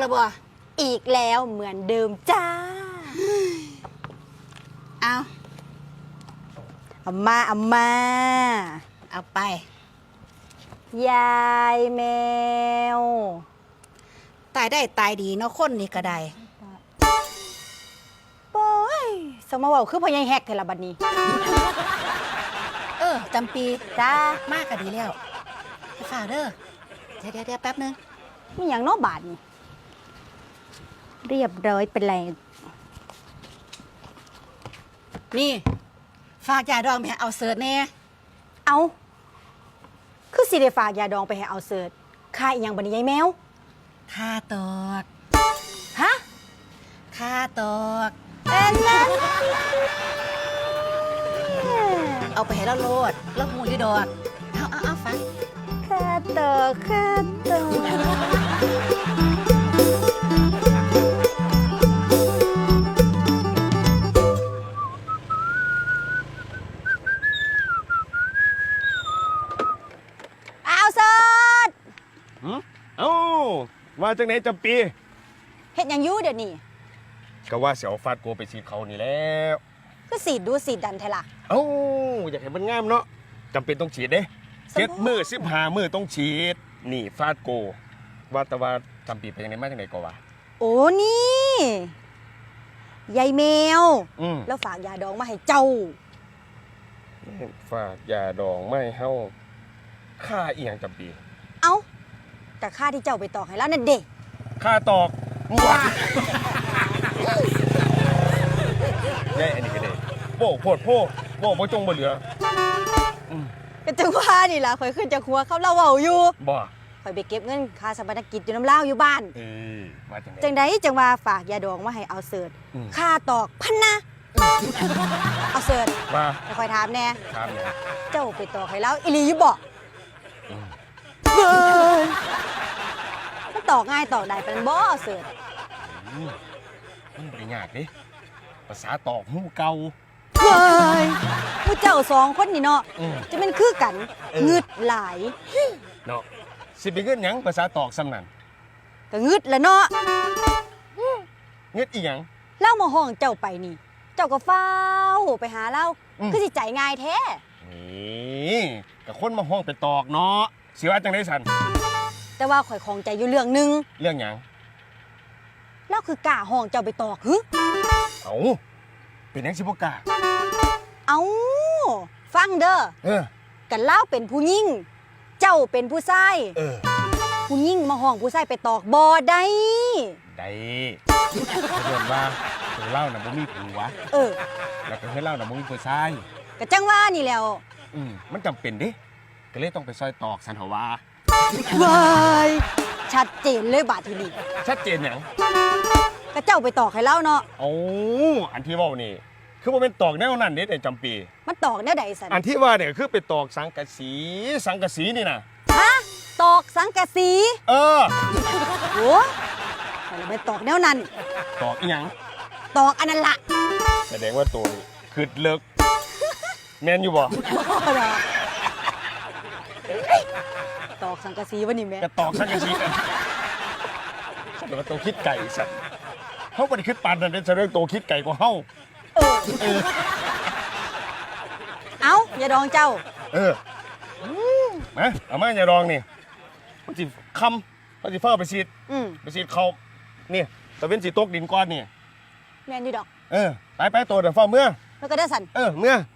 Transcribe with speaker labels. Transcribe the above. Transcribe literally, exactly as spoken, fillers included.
Speaker 1: แล้วบ่
Speaker 2: อีกแล้วเหมือนเดิมจ้า
Speaker 1: เอา
Speaker 2: อามาอามา
Speaker 1: เอาไป
Speaker 2: ยายแมว
Speaker 1: ตายได้ตายดีเนาะคนนี่ก็ได้
Speaker 2: โอ้ยสมมาว่าคือพญายแฮกเทละบัดนี้
Speaker 1: เออจำปี
Speaker 2: จ้าม
Speaker 1: ากก็ดีแล้วไปฝากเด้อเดี๋ยวเดี๋ยวแป๊บนึง
Speaker 2: มีอย่างนอกบาทนี่เรียบร้อยเป็นไร
Speaker 1: นี่ฝากยาดองไปเอาเสิร์ชแน่
Speaker 2: เอาคือสิได้ฝากยาดองไปให้เอาเสิร์ชค่าอีหยังบัดนี้ยายแมว
Speaker 1: ค่าตอก
Speaker 2: ฮะ
Speaker 1: ค่าตอก
Speaker 2: เอ็นนะ
Speaker 1: เอาไปให้เราโลดแล้วหูอยู่ดอกเอาเอาเอาฟัง
Speaker 2: ค่าตอกค่าตอก
Speaker 3: เอ้าว่าจังไหนจำปี
Speaker 2: เฮ็ดหยังอยู่เดี๋ยวนี้
Speaker 3: ก็ว่าเสียวฟาดโกไปสีเขานี่แล้ว
Speaker 2: ก็สีดดูสีดดันเทล่ะ
Speaker 3: เอ้าอยากให้มันงามเนาะจำเป็นต้องฉีดเด้เจ็ดมือสิบห้ามือต้องฉีดนี่ฟาดโกว่าแต่ว่าจำปีไปยังไงมาจังไหนก็ว่า
Speaker 2: โอ้นี่ยายแมวแล้วฝากยาดองมาให้เจ้า
Speaker 3: ฝากยาดองไม่เฮาค่าเอียงจำปี
Speaker 2: เอ้าแต่ค่าที่เจ้าไปตอกให้แล้วนั่นเด็ก
Speaker 3: ค่าตอกว้าใหญ่อันนี้ก็ได้โบ้โพดโพโบ้โบจงบ่เหลือ
Speaker 2: ก็จังว่านี่ล่ะข่อยขึ้นจากหัวเขาเล่าเว้าอยู่
Speaker 3: บ่
Speaker 2: ข่อยไปเก็บเงินค่าสมรกิจอยู่น้ำเล่าอยู่บ้าน
Speaker 3: เออมาจังได๋
Speaker 2: จังได๋จังว่าฝากยาดองมาให้เอาเสิร์ชค่าตอกพันนะเอาเสิร์ช
Speaker 3: ว่า
Speaker 2: ข่อยถามแน่
Speaker 3: ถามแน่
Speaker 2: เจ้าไปตอกให้แล้วอีหลีอยู่บ่เฮ้ยมันตอกง่ายตอกได้ปานบ่เสิร์ช
Speaker 3: มันบ่ได้ยากเด้ภาษาตอกหูเก่า
Speaker 2: เฮ้ยผู้เจ้าสองคนนี่เนาะจะเป็นคือกันงึดหลาย
Speaker 3: เนาะสิไปเงินหยังภาษาตอกซ้ำนั่น
Speaker 2: ก็งึดละเนาะ
Speaker 3: เงิดอีหยัง
Speaker 2: เล่ามาห้องเจ้าไปนี่เจ้าก็เฝ้าไปหาเล่าคือสิใจง่ายแท้
Speaker 3: นี่ก็คนมาห้องไปตอกเนาะสิว่าจังได๋ซั่น
Speaker 2: แต่ว่าข่อยของใจอยู่เรื่องนึง
Speaker 3: เรื่องหยัง
Speaker 2: เล่าคือกล้าห้องเจ้าไปตอกหึ
Speaker 3: เอ้าเป็นหยังสิบ่กล้า
Speaker 2: เอ้าฟังเด้อ
Speaker 3: เออ
Speaker 2: กันเล่าเป็นผู้หญิงเจ้าเป็นผู้ชาย
Speaker 3: เออ
Speaker 2: ผู้หญิงมาห้องผู้ชายไปตอกบ่ได้
Speaker 3: ได้เรื่องว่าเล่าน่ะบ่มีผัว
Speaker 2: เออ
Speaker 3: แล้วก็เฮ็ดเล่าน่ะบ่มีผู้ชาย
Speaker 2: ก็จังว่านี่แล้ว
Speaker 3: อืมมันจำเป็นเด้ก็เลยต้องไปซอยตอกสันหว่า
Speaker 2: ว้ายชัดเจนเลยบาดทีนี้
Speaker 3: ชัดเจนหยัง
Speaker 2: ก็เจ้าไปตอกให้เล่าเนาะ
Speaker 3: โอ้อันที่เว้านี่คือบ่เป็นตอกแนวนั้นเด้แต่จำปี
Speaker 2: มันตอกแนวใดซั่น
Speaker 3: อันที่ว่าเนี่ยคือไปตอกสังกะสีสังกะสีนี่น่ะ
Speaker 2: ฮะตอกสังกะสี
Speaker 3: เออ
Speaker 2: โอ้แต่เราไปตอกแนวนั้น
Speaker 3: ตอกอีหยัง
Speaker 2: ตอกอันนั้นล่ะ
Speaker 3: แสดงว่าตัวนี้คือเลิกแม่นอยู่บ่
Speaker 2: ตอกสังกะสีวะนี่แม่
Speaker 3: ก็ตอกสังกะสีกันแต่ว่าตัวคิดไก่สัตว์เฮาบ่ได้คิดปานนั้นเด้แสดงตัวคิดไก่กว่าเฮา
Speaker 2: เออเอ้าอย่าดองเจ้า
Speaker 3: เออมาเอามาอย่าดองนี่มันสิคำมันสิเฝ้าไปซีดไปซีดเขานี่ตะเว้นสิตกดินก่อนนี่
Speaker 2: แม่นอยู่ดอก
Speaker 3: เออไปไปตัวเดี๋ยวเฝ้าเมื่อ
Speaker 2: แล้วก็ได้สั่น
Speaker 3: เออเมื่อ